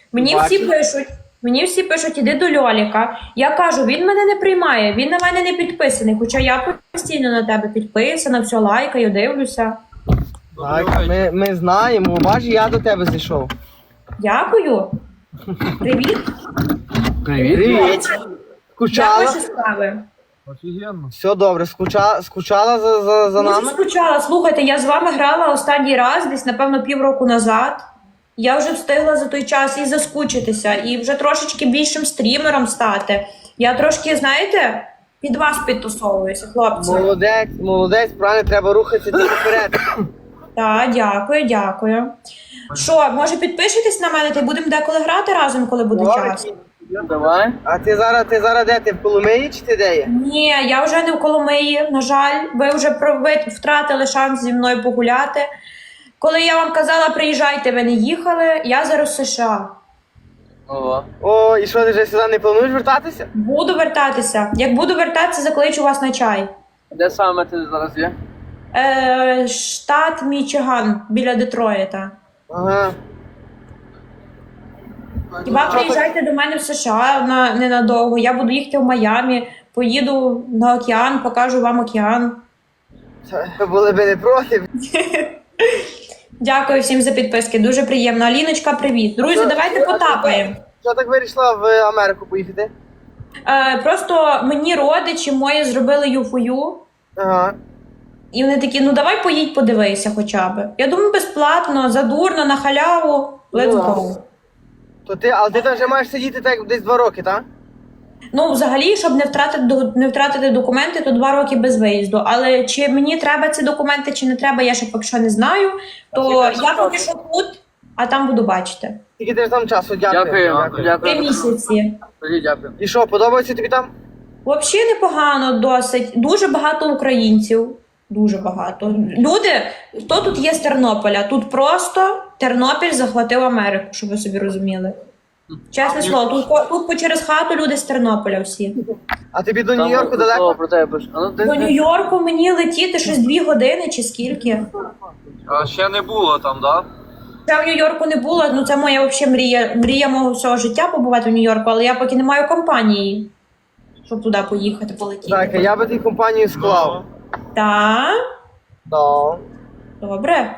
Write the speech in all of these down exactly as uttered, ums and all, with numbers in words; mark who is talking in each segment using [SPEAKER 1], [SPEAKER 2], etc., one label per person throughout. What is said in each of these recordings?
[SPEAKER 1] Мені всі пишуть, мені всі пишуть, іди до Льоліка. Я кажу, він мене не приймає, він на мене не підписаний, хоча я постійно на тебе підписана, все лайкаю, дивлюся.
[SPEAKER 2] Так, ми, ми знаємо, бач, я до тебе зайшов.
[SPEAKER 1] Дякую. Привіт.
[SPEAKER 2] Привіт. Привіт.
[SPEAKER 1] Як
[SPEAKER 2] Скучала?
[SPEAKER 1] ваші справи?
[SPEAKER 3] Офігенно.
[SPEAKER 2] Все добре, Скуча... скучала за, за, за
[SPEAKER 1] Дуже
[SPEAKER 2] нами?
[SPEAKER 1] скучала. Слухайте, я з вами грала останній раз, десь, напевно, півроку назад. Я вже встигла за той час і заскучитися, і вже трошечки більшим стрімером стати. Я трошки, знаєте, під вас підтусовуюся, хлопці.
[SPEAKER 2] Молодець, молодець, правильно, треба рухатися тільки вперед.
[SPEAKER 1] Так, дякую, дякую. Що, може підпишетесь на мене, та й будемо деколи грати разом, коли буде час?
[SPEAKER 3] Давай.
[SPEAKER 2] А ти зараз, ти зараз де? Ти в Коломиї чи ти де є?
[SPEAKER 1] Ні, я вже не в Коломиї, на жаль. Ви вже про- ви втратили шанс зі мною погуляти. Коли я вам казала, приїжджайте, ви не їхали, я зараз в США.
[SPEAKER 3] Ого.
[SPEAKER 2] О, і що, ти вже сюди не плануєш вертатися?
[SPEAKER 1] Буду вертатися. Як буду вертатися, закличу вас на чай.
[SPEAKER 3] Де саме ти зараз є?
[SPEAKER 1] Е, штат Мічиган, біля Детройта.
[SPEAKER 2] Ага.
[SPEAKER 1] Хіба приїжджайте до мене в США на, ненадовго. Я буду їхати в Майамі, поїду на океан, покажу вам океан.
[SPEAKER 2] Це були би не проти.
[SPEAKER 1] Дякую всім за підписки, дуже приємно. Аліночка, привіт. Друзі, давайте потапаємо.
[SPEAKER 2] Що так вирішила в Америку поїхати?
[SPEAKER 1] Е, просто мені родичі мої зробили юфою.
[SPEAKER 2] Ага.
[SPEAKER 1] І вони такі, ну давай поїдь, подивися хоча б. Я думаю, безплатно, задурно, на халяву. Let's
[SPEAKER 2] Ну,
[SPEAKER 1] go.
[SPEAKER 2] То ти, але ти там вже маєш сидіти так десь два роки, так?
[SPEAKER 1] Ну, взагалі, щоб не втратити, до- не втратити документи, то два роки без виїзду. Але чи мені треба ці документи, чи не треба, я ще поки що не знаю. То
[SPEAKER 2] скільки
[SPEAKER 1] я
[SPEAKER 2] часу?
[SPEAKER 1] поки що тут, а там буду бачити.
[SPEAKER 2] Скільки ти ж там часу? Дякую.
[SPEAKER 3] Дякую. Дякую.
[SPEAKER 1] Три місяці.
[SPEAKER 3] Тоді дякую.
[SPEAKER 2] І що, подобається тобі там?
[SPEAKER 1] Взагалі непогано досить. Дуже багато українців. Дуже багато. Люди, хто тут є з Тернополя? Тут просто Тернопіль захватив Америку, щоб ви собі розуміли. Чесне слово, тут, по- тут по через хату люди з Тернополя всі.
[SPEAKER 2] А тобі до
[SPEAKER 3] Там
[SPEAKER 2] Нью-Йорку
[SPEAKER 3] слово
[SPEAKER 2] далеко?
[SPEAKER 3] про тебе пише. А ну, ти-
[SPEAKER 1] До
[SPEAKER 3] ти-
[SPEAKER 1] Нью-Йорку мені летіти щось дві години чи скільки.
[SPEAKER 4] А ще не було там, да?
[SPEAKER 1] Я в Нью-Йорку не була, ну це моя взагалі мрія, мрія мого всього життя побувати в Нью-Йорку, але я поки не маю компанії, щоб туди поїхати, полетіти.
[SPEAKER 2] Так, я би тобі компанію склав.
[SPEAKER 1] Так,
[SPEAKER 2] Да.
[SPEAKER 1] добре.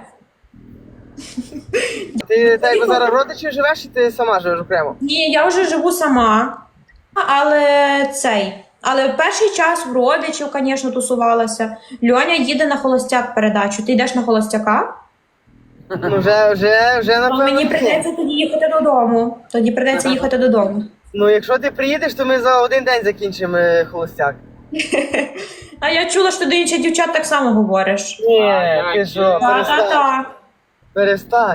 [SPEAKER 2] Ти так якби зараз родичі живеш, чи ти сама живеш окремо?
[SPEAKER 1] Ні, я вже живу сама, але цей. Але в перший час в родичів, звісно, тусувалася. Льоня їде на холостяк передачу. Ти йдеш на холостяка?
[SPEAKER 2] Ну вже, вже, вже
[SPEAKER 1] То
[SPEAKER 2] напевно.
[SPEAKER 1] мені
[SPEAKER 2] ні.
[SPEAKER 1] прийдеться тоді їхати додому. Тоді прийдеться їхати додому.
[SPEAKER 2] Ну якщо ти приїдеш, то ми за один день закінчимо е, холостяк.
[SPEAKER 1] А я чула, що ти до інших дівчат так само говориш.
[SPEAKER 2] Ні,
[SPEAKER 4] А,
[SPEAKER 2] ти
[SPEAKER 4] як
[SPEAKER 2] що,
[SPEAKER 4] є?
[SPEAKER 2] перестань.
[SPEAKER 1] Так-так-так.
[SPEAKER 2] Перестань.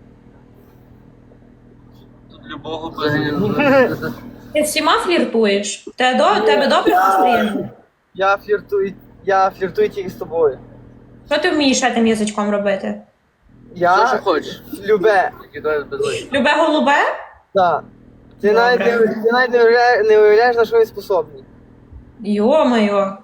[SPEAKER 4] Тут любого без.
[SPEAKER 1] Ти всіма фліртуєш? Те до тебе добре настроєння?
[SPEAKER 2] Я фліртую, я фліртую тільки з тобою.
[SPEAKER 1] Що ти вмієш ще тим язичком робити?
[SPEAKER 3] Все,
[SPEAKER 2] Я
[SPEAKER 3] що хочеш.
[SPEAKER 2] любе.
[SPEAKER 3] Тільки давай без лайк.
[SPEAKER 1] Любе голубе?
[SPEAKER 2] Так. Ти
[SPEAKER 1] Добре.
[SPEAKER 2] навіть, не, ти навіть не, уявляєш, не уявляєш, на що він способний.
[SPEAKER 1] Йо-моє.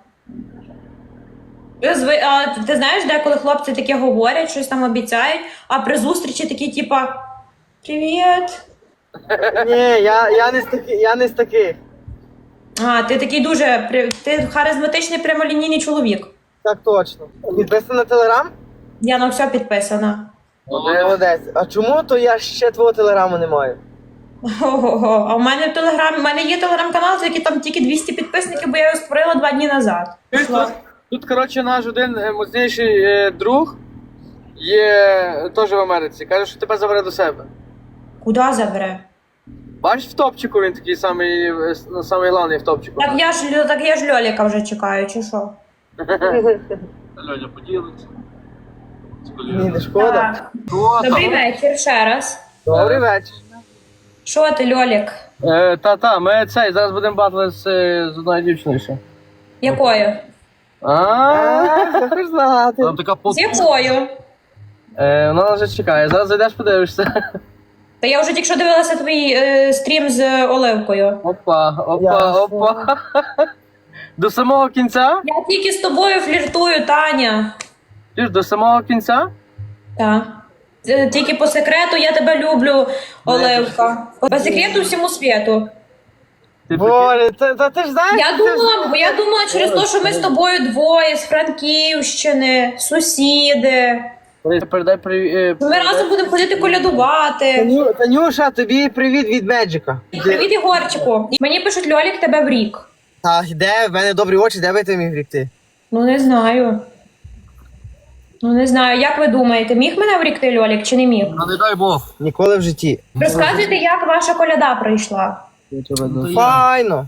[SPEAKER 1] Зви- А ти знаєш, деколи хлопці таке говорять, щось там обіцяють, а при зустрічі такі, типа, привіт.
[SPEAKER 2] Ні, я, я, не з таки, я не з таких.
[SPEAKER 1] А, ти такий дуже, при- ти харизматичний прямолінійний чоловік.
[SPEAKER 2] Так точно. Підписана на телеграм?
[SPEAKER 1] Я на все підписана.
[SPEAKER 2] Молодець. А чому то я ще твого телеграму не маю?
[SPEAKER 1] Ого-го. А в мене в телеграм, в мене є телеграм-канал, за який там тільки двісті підписників, бо я його створила два дні назад.
[SPEAKER 3] Тут, тут, коротше, наш один е, моцніший е, друг є теж в Америці. Каже, що тебе забере до себе.
[SPEAKER 1] Куди забере?
[SPEAKER 3] Бачиш в топчику, він такий самий, е, с- самий главний в топчику.
[SPEAKER 1] Так я ж Льо- так я ж Льоліка вже чекаю, чи що?
[SPEAKER 4] Льоня поділиться. З
[SPEAKER 2] Ні,
[SPEAKER 4] колегами.
[SPEAKER 2] не шкода.
[SPEAKER 1] Так.
[SPEAKER 4] Що
[SPEAKER 1] Добрий
[SPEAKER 4] там?
[SPEAKER 1] вечір ще раз.
[SPEAKER 2] Добрий вечір.
[SPEAKER 1] Що ти, Льолік?
[SPEAKER 3] Е, та-та, ми цей, зараз будемо батли з, е, з одною дівчиною ще.
[SPEAKER 1] Якою?
[SPEAKER 3] А,
[SPEAKER 2] А, хочеш знати.
[SPEAKER 4] Там така под...
[SPEAKER 1] З якою?
[SPEAKER 3] е, вона вже чекає, зараз зайдеш, подивишся.
[SPEAKER 1] Та я вже тільки що дивилася твій е, стрім з Оливкою.
[SPEAKER 3] Опа, опа,
[SPEAKER 2] Ясно.
[SPEAKER 3] опа. До самого кінця?
[SPEAKER 1] Я тільки з тобою фліртую, Таня.
[SPEAKER 3] Ти ж до самого кінця?
[SPEAKER 1] Так. Е, Тільки по секрету я тебе люблю, Оливка. По секрету всьому світу.
[SPEAKER 2] Боже, та, та ти ж знаєш.
[SPEAKER 1] Я
[SPEAKER 2] ти ж-
[SPEAKER 1] думала, бо я думала через те, що ми з тобою двоє з Франківщини, сусіди.
[SPEAKER 2] Передай привіт.
[SPEAKER 1] Ми разом будемо ходити колядувати.
[SPEAKER 2] Таню, Танюша, тобі привіт від Меджика.
[SPEAKER 1] Привіт, Ігорчику. Мені пишуть, Льолік, тебе в рік.
[SPEAKER 2] А де? В мене добрі очі, де би ти міг врікти?
[SPEAKER 1] Ну не знаю. Ну не знаю, як ви думаєте, міг мене врікти Льолік чи не міг?
[SPEAKER 4] Ну не дай Бог.
[SPEAKER 2] Ніколи в житті.
[SPEAKER 1] Розказуйте, як ваша коляда пройшла.
[SPEAKER 2] Файно.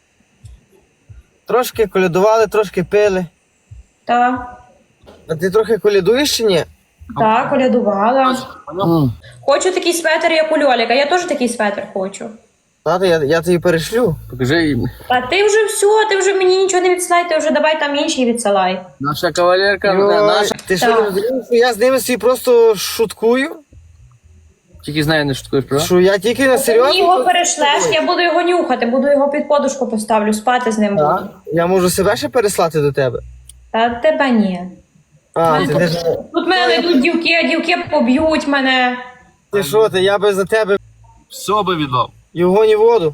[SPEAKER 2] Трошки колядували, трошки пили.
[SPEAKER 1] Так,
[SPEAKER 2] А ти трохи колядуєш чи ні?
[SPEAKER 1] так, колядувала. Хочу такий светр, як у Льоліка. Я теж такий светр хочу.
[SPEAKER 2] Тато, я, я тобі перешлю.
[SPEAKER 3] Покажи їм.
[SPEAKER 1] А ти вже все, ти вже мені нічого не відсилай, ти вже давай там інші відсилай.
[SPEAKER 3] Наша кавалерка,
[SPEAKER 2] Йой,
[SPEAKER 3] наша.
[SPEAKER 2] Ти що,
[SPEAKER 1] Так.
[SPEAKER 2] не розумієш, що я з ними собі просто шуткую?
[SPEAKER 3] Тільки з нею не шуткуєш, правда?
[SPEAKER 2] Що я тільки на
[SPEAKER 1] Ти мені його
[SPEAKER 2] серйозно?
[SPEAKER 1] перешлеш, я буду його нюхати, буду його під подушку поставлю, спати з ним
[SPEAKER 2] Так.
[SPEAKER 1] буду.
[SPEAKER 2] Я можу себе ще переслати до тебе.
[SPEAKER 1] Та тебе ні.
[SPEAKER 2] А,
[SPEAKER 1] Ну,
[SPEAKER 2] ти, ти, ж-
[SPEAKER 1] Тут мене знайдуть дівки, а дівки поб'ють мене.
[SPEAKER 2] ти що ти, я би за тебе
[SPEAKER 4] Все би віддав.
[SPEAKER 2] і вогонь і воду.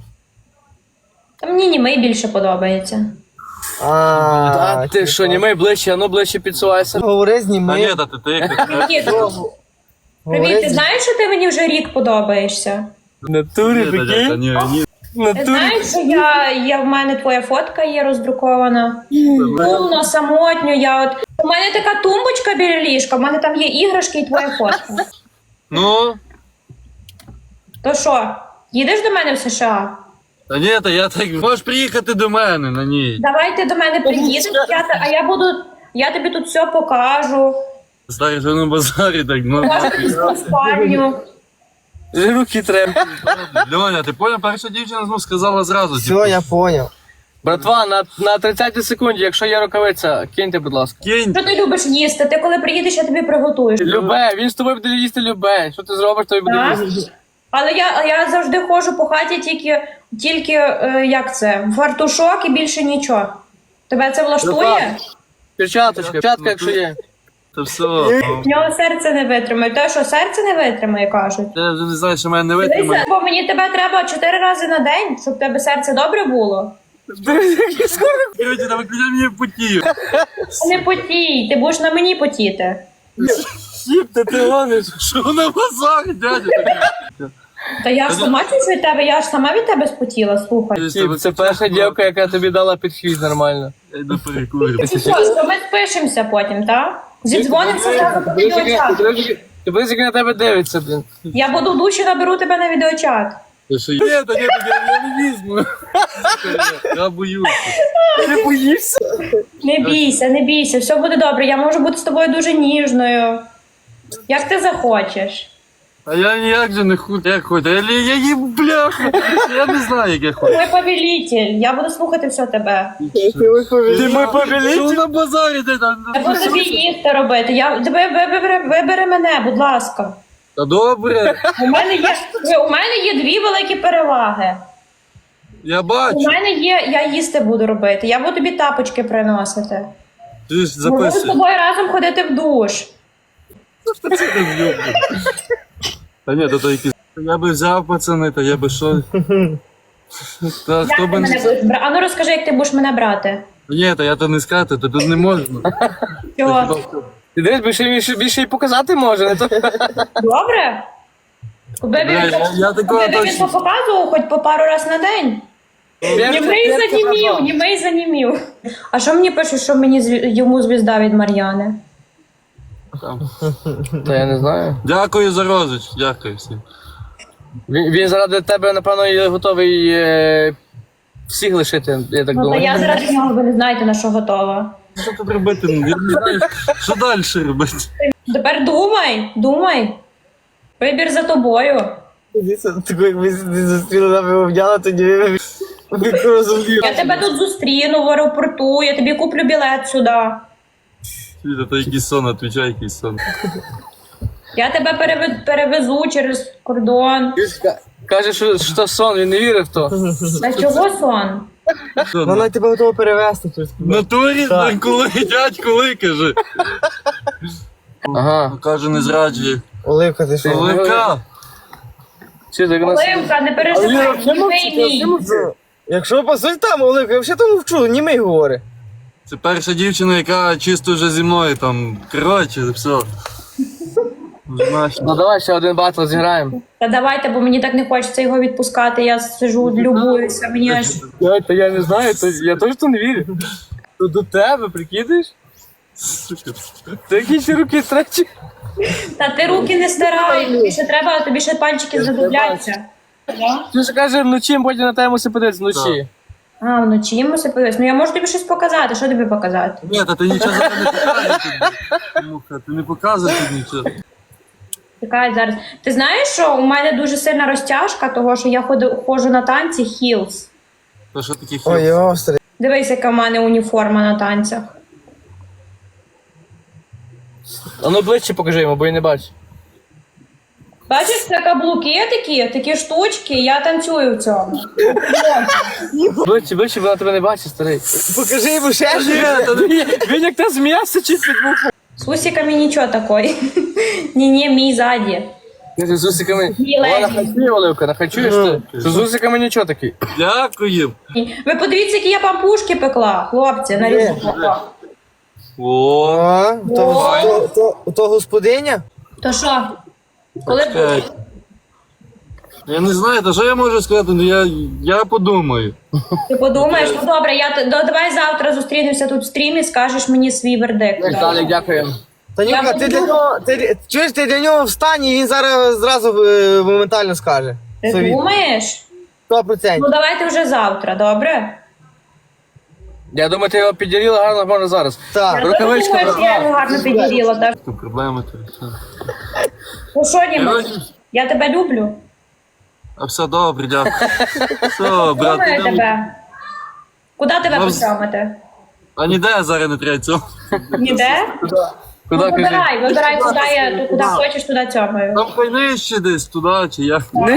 [SPEAKER 1] Та мені німей більше подобається.
[SPEAKER 2] А,
[SPEAKER 3] А ти що, німей ближче, а ну ближче підсувайся.
[SPEAKER 2] Говори з
[SPEAKER 4] Та
[SPEAKER 2] ними.
[SPEAKER 4] ні, та ти тихо.
[SPEAKER 1] Привіт,
[SPEAKER 2] Говори
[SPEAKER 1] привіт, ти
[SPEAKER 2] з-
[SPEAKER 1] знаєш, що ти мені вже рік подобаєшся?
[SPEAKER 3] В натурі,
[SPEAKER 4] Ні, та дядька, ні, ні.
[SPEAKER 3] В
[SPEAKER 1] Ти знаєш, що я, я в мене твоя фотка є роздрукована. Сумно, самотньо, я от. У мене така тумбочка біля ліжка, в мене там є іграшки і твоя фотка.
[SPEAKER 4] Ну,
[SPEAKER 1] То що, їдеш до мене в США?
[SPEAKER 4] та ні, та я так. Можеш приїхати до мене на ній.
[SPEAKER 1] Давай ти до мене приїдеш, я, те- а я буду, я тобі тут все покажу.
[SPEAKER 4] Старий вже на базарі так, ну.
[SPEAKER 1] Покажу тобі спальню.
[SPEAKER 3] Руки треба.
[SPEAKER 4] Льоня, ти поняв, перша дівчина ну, сказала зразу.
[SPEAKER 2] Все, я поняв.
[SPEAKER 3] Братва, на, на тридцятій секунді, якщо є рукавиця, киньте, будь ласка.
[SPEAKER 4] Кінь.
[SPEAKER 1] Що ти любиш їсти? Ти коли приїдеш, я тобі приготую.
[SPEAKER 3] Любе, він з тобою буде їсти любе. Що ти зробиш, то й буде
[SPEAKER 1] Так?
[SPEAKER 3] їсти.
[SPEAKER 1] Але я, я завжди ходжу по хаті тільки, тільки е, як це, фартушок і більше нічого. Тебе це влаштує?
[SPEAKER 3] Перчаточка, перчатка, якщо є.
[SPEAKER 4] Та все.
[SPEAKER 1] В нього серце не витримає. Те, що серце не витримає, кажуть.
[SPEAKER 4] Я вже не знаю, що мене не
[SPEAKER 1] Дивися,
[SPEAKER 4] витримає.
[SPEAKER 1] бо мені тебе треба чотири рази на день, щоб в тебе серце добре було.
[SPEAKER 4] Короче, та виключай мені потію.
[SPEAKER 1] Не потій, ти будеш на мені потіти.
[SPEAKER 3] Сіп, та ти гониш.
[SPEAKER 4] Що на базарі, дядя?
[SPEAKER 1] Та я ж сама чусь від тебе, я ж сама від тебе спотіла, слухай.
[SPEAKER 3] Сіп, це перша дівка, яка тобі дала підхід нормально.
[SPEAKER 4] Я йду перекурю.
[SPEAKER 1] І що, то ми спишемося потім, так? Зідзвонимося зразу по відеочат.
[SPEAKER 3] Ти будеш, як на тебе дивиться, блін.
[SPEAKER 1] Я буду в душі, наберу тебе на відеочат.
[SPEAKER 4] Та що, ні, та ні, та я, я не візьму. Я боюся.
[SPEAKER 3] Ти боїшся?
[SPEAKER 1] Не бійся, не бійся, все буде добре. Я можу бути з тобою дуже ніжною. Як ти захочеш.
[SPEAKER 4] А я ніяк же не худ, як хоч. Я, я їм бляха. Я не знаю, як я хочу.
[SPEAKER 1] Мой повелитель, я буду слухати все тебе.
[SPEAKER 3] Ти мой повелитель?
[SPEAKER 4] Що на базарі ти там?
[SPEAKER 1] Я буду тобі їсти робити. Я, тебе вибери, вибери мене, будь ласка.
[SPEAKER 4] Та добре,
[SPEAKER 1] У мене є, у мене є дві великі переваги.
[SPEAKER 4] я
[SPEAKER 1] У
[SPEAKER 4] бачу.
[SPEAKER 1] мене є, я їсти буду робити. Я буду тобі тапочки приносити.
[SPEAKER 4] Ти ж
[SPEAKER 1] Ми будемо з
[SPEAKER 4] записуй.
[SPEAKER 1] тобою разом ходити в душ.
[SPEAKER 4] Та ні, то то якісь. Я би взяв, пацани, та я би що. Та
[SPEAKER 1] Як
[SPEAKER 4] хто
[SPEAKER 1] ти
[SPEAKER 4] би
[SPEAKER 1] мене
[SPEAKER 4] не.
[SPEAKER 1] будеш брати? А ну розкажи, як ти будеш мене брати.
[SPEAKER 4] Ні, та я то не скати, то тут не можна.
[SPEAKER 1] Що?
[SPEAKER 3] Ти дивись, більше, більше, більше й показати може, не то.
[SPEAKER 1] Добре? Куди
[SPEAKER 4] Бля, я, я такого
[SPEAKER 1] він
[SPEAKER 4] точно.
[SPEAKER 1] показував хоч по пару раз на день? Німий занімів, німий занімів. А що мені пишуть, що мені зві- йому звізда від Мар'яни?
[SPEAKER 4] Там.
[SPEAKER 3] Та я не знаю.
[SPEAKER 4] Дякую за розич, дякую всім.
[SPEAKER 3] Він, він заради тебе, напевно, є готовий е, всіх лишити, я так
[SPEAKER 1] Ну, та
[SPEAKER 3] думаю.
[SPEAKER 1] я заради нього, ви не знаєте, на що готова.
[SPEAKER 4] Що тут робити? Я не знаю, що далі робити.
[SPEAKER 1] Тепер думай, думай. Вибір за тобою.
[SPEAKER 2] Таку, як ми зустріли нами обняла, тоді ви розуміли.
[SPEAKER 1] Я тебе тут зустріну в аеропорту, я тобі куплю білет сюди.
[SPEAKER 4] Світа, то якийсь сон, отвічай, якийсь сон.
[SPEAKER 1] Я тебе переве- перевезу через кордон.
[SPEAKER 3] Каже, що, що сон, він не вірив в то.
[SPEAKER 1] Та чого сон?
[SPEAKER 4] Що,
[SPEAKER 2] Вона тебе готова перевезти. тут.
[SPEAKER 4] в натурі,
[SPEAKER 2] Так.
[SPEAKER 4] коли, дядь, коли, каже.
[SPEAKER 3] Ага.
[SPEAKER 4] Каже, не зраджує.
[SPEAKER 2] Оливка, ти що?
[SPEAKER 4] Оливка!
[SPEAKER 3] Чи так нас...
[SPEAKER 1] Оливка, не
[SPEAKER 3] Але
[SPEAKER 1] переживай,
[SPEAKER 3] я взагалі
[SPEAKER 1] німий мій.
[SPEAKER 2] Ну, Якщо по суті там, Оливка, я взагалі там вчу, німий говорить.
[SPEAKER 4] Це перша дівчина, яка чисто вже зі мною там. Коротше, все. Знаєш,
[SPEAKER 3] Ну давай ще один батл зіграємо.
[SPEAKER 1] Та давайте, бо мені так не хочеться його відпускати, я сижу, любуюся, мені аж...
[SPEAKER 3] Я, та я не знаю, то, я теж то не вірю. То до тебе, прикидаєш? Ти якісь руки тречі.
[SPEAKER 1] Та ти руки не стирай, тобі ще треба, тобі ще пальчики задубляться.
[SPEAKER 3] Ти ж каже, вночі потім на тебе мусить подивитися вночі.
[SPEAKER 1] А, вночі йому все подивись. Ну я можу тобі щось показати, що тобі показати?
[SPEAKER 4] ні, та ти нічого зараз не показуєш. Муха, ти не показуєш тут нічого.
[SPEAKER 1] Чекай зараз. Ти знаєш, що у мене дуже сильна розтяжка, того, що я ходу, ходжу на танці хілс.
[SPEAKER 4] То що такі
[SPEAKER 2] Ой,
[SPEAKER 4] хіл?
[SPEAKER 2] острий.
[SPEAKER 1] Дивись, яка в мене уніформа на танцях.
[SPEAKER 3] А ну ближче покажи йому, бо я не бачу.
[SPEAKER 1] Бачиш, це каблуки такі, такі штучки, я танцюю в цьому.
[SPEAKER 3] Ближче, ближче, вона тебе не бачить, старий.
[SPEAKER 2] Покажи йому ще щось.
[SPEAKER 3] Він як та з м'яса чи під муху.
[SPEAKER 1] З усиками нічого такої. Ні-ні, мій ззаді.
[SPEAKER 3] Ти з усиками.
[SPEAKER 1] Ні,
[SPEAKER 3] Вона
[SPEAKER 1] Лесі.
[SPEAKER 3] хачує, Оливка, нахачуєш ти? Що з усиками нічого такий.
[SPEAKER 4] Дякую.
[SPEAKER 1] Ви подивіться, які я пампушки пекла, хлопці, на різдво.
[SPEAKER 4] О,
[SPEAKER 2] О, то, то, то, то господиня?
[SPEAKER 1] То що? Коли
[SPEAKER 4] чекай. Я не знаю, та що я можу сказати, ну я, я подумаю.
[SPEAKER 1] ти подумаєш, ну добре, я т- да, давай завтра зустрінемося тут в стрімі, скажеш мені свій вердикт.
[SPEAKER 3] Віталік, дякуємо.
[SPEAKER 2] Танюка,
[SPEAKER 1] Я
[SPEAKER 2] ти для
[SPEAKER 1] буду-
[SPEAKER 2] нього, ти, чуєш, ти для нього встань і він зараз зразу е, моментально скаже.
[SPEAKER 1] Ти
[SPEAKER 2] Совіт.
[SPEAKER 1] думаєш?
[SPEAKER 2] Сто
[SPEAKER 1] Ну
[SPEAKER 2] процентів.
[SPEAKER 1] давайте вже завтра, добре?
[SPEAKER 3] Я думаю, ти його підділила гарно можна зараз.
[SPEAKER 2] Так.
[SPEAKER 1] Я
[SPEAKER 3] Рукавичка
[SPEAKER 1] думаю, що я його гарно підіріла, так?
[SPEAKER 4] Тут проблеми то все.
[SPEAKER 1] Ну що, Німа,
[SPEAKER 4] Коротше,
[SPEAKER 1] я тебе люблю.
[SPEAKER 4] а все добре, дякую. Все, брат,
[SPEAKER 1] Думаю
[SPEAKER 4] ідемо.
[SPEAKER 1] тебе. Куди тебе
[SPEAKER 4] Нам-
[SPEAKER 1] посьомити?
[SPEAKER 4] А ніде зараз не треба цього.
[SPEAKER 1] Ніде?
[SPEAKER 3] Куди
[SPEAKER 1] Ну,
[SPEAKER 3] кажи?
[SPEAKER 1] вибирай, вибирай, куди я, куди хочеш, туди цьомаю.
[SPEAKER 4] Там хай нижче десь, туди чи як.